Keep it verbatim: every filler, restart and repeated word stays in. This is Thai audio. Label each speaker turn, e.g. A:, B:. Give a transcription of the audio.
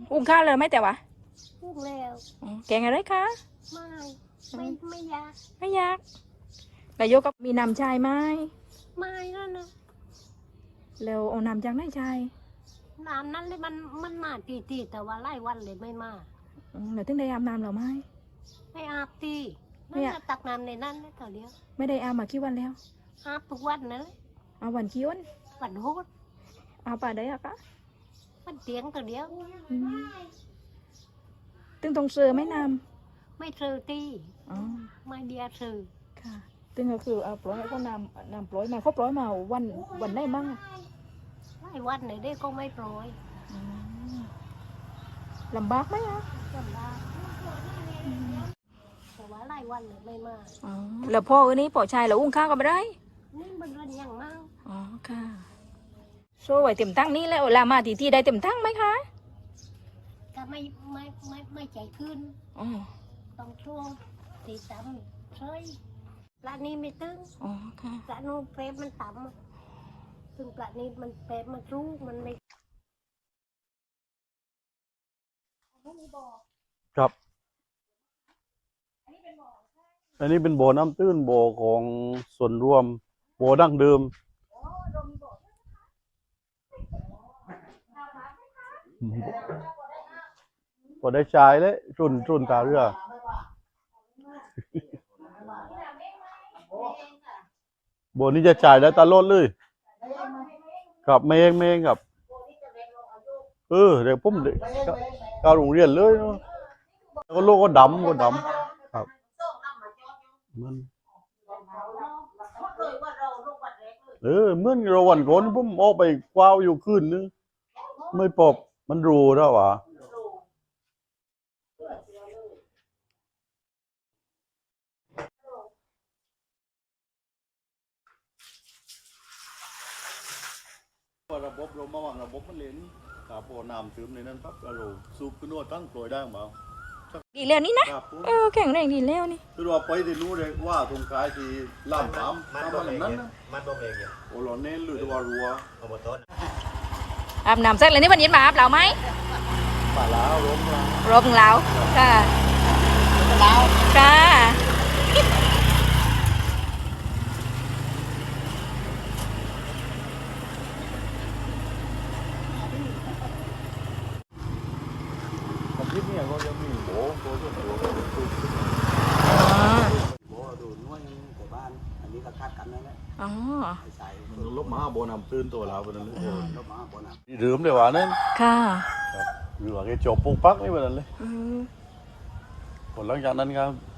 A: อุ้งข้าวเลยไหมแต่ว่า
B: พูดแล้ว
A: แกงอะไรคะ
B: ไม่ไม่ไม่ยาก
A: ไม่ยากนายกก็มีน้ำชายไหม
B: ไม่นั่นนะ
A: แล้วเอาน้ำจากไหนชาย
B: น้ำนั้นเลยมันมันมาตีตีแต่ว่าไล่วันเลยไม่มา
A: เดี๋ยวถึงได้อาบน้ำหรอไม่
B: ไม่อาบตีไม่อาบตักน้ำในนั้นเลยต่อเดียว
A: ไม่ได้อาบมากี่วันแล้ว
B: อาบทุกวันนั่นเลย
A: อาวันกี่วัน
B: วันโหด
A: อาบป่าได้อะคะ
B: มันเตียงต่อเดียว
A: ตึงตรงเสือไม่น้
B: ำไม่เสือตีไม่เดียเสือ
A: ค่ะตึงก็คือเอาปล่อยเขาน้ำน้ำปล่อยมาเขาปล่อยมาวันวันได้มั้ง
B: ไล่วันไหนได้ก็ไม่ปล่อย
A: ลำบากไหมอ่ะ
B: ลำบากแต่ว่าไล่วันเลยไม่มา
A: แล้วพ่ออันนี้พ่อชายเราอุ้งข้าวก็ไม่ได้
B: นี่มันเรื่องยังมาก
A: อ๋อค่ะโซ่ไว้เต็มตั้งนี้แล้วลามาทีที่ได้เต็มตั้งไหมคะ
B: ก็ไม่ไม่ไม่ไม่ใจขึ้น
A: อ๋อ
B: ต้องช่วงตีต่ำเฉยปลานี้ไม่ตึง
A: อ๋อค่ะ
B: ปลาโน้เฟรมันต่ำซึ่งปลานี้มันเฟรมันรู้มันไม่
C: ครับอันนี้เป็นบ่อน้ำตื้นบ่อของส่วนรวมบ่อดั้งเดิมบ่ได้ใช้เลยรุ่นรุ่นตาเรือบ่อนี้จะจ่ายได้ตลอดเลยครับเมงเมงครับเออเดี๋ยวผมเด็กเข้าโรงเรียนเลยเนาะแล้วก็โลกก็ดำก็ดำครับมันเออเมื่อเราวันก่อนผมออกไปกว้าวอยู่คืนนึงไม่ปบมันรูแล้ววะระบบเรามาวางระบบมันเลนขาโปน้ำซึมในนั้นปั๊บเราสูบขึ้นนวดตั้งโปรยได้ไหม
A: ดีแล้วนี่นะเออแข็งแรงดีแล้วนี่
C: คือว่าไปที่นู้นเลยว่าตรงกลายที่ล่ามสาม
D: มันตรงนั้นนะมันตรงเองเนี่ย
C: โอ้หล่อเน้นหรือว่ารัว
D: เอาบนต้น
A: อาบน้ำเสร็จเลยนี่วันเย็นมาอาบเราไหม
C: ป่าแล้วล้มแล้ว
A: รบเราค่ะเราค่ะ
C: ที่นี่ก็จะมีโบโบโบโบโบ
D: โบดูน้อยแต่บ้านอันนี้ก็คาดกันนั่นแหละ
A: อ๋อ
D: ใส่
C: มันลบมาโบนำตื่นตัวเราเป็นนั่นเลย
D: ลบมาโบน
C: ำนี่ดื่มเลยว่านั่น
A: ค่ะ
C: หรือว่าแกจบปุ๊กปักนี่เป็นนั่นเลยผลหลังจากนั้นครับ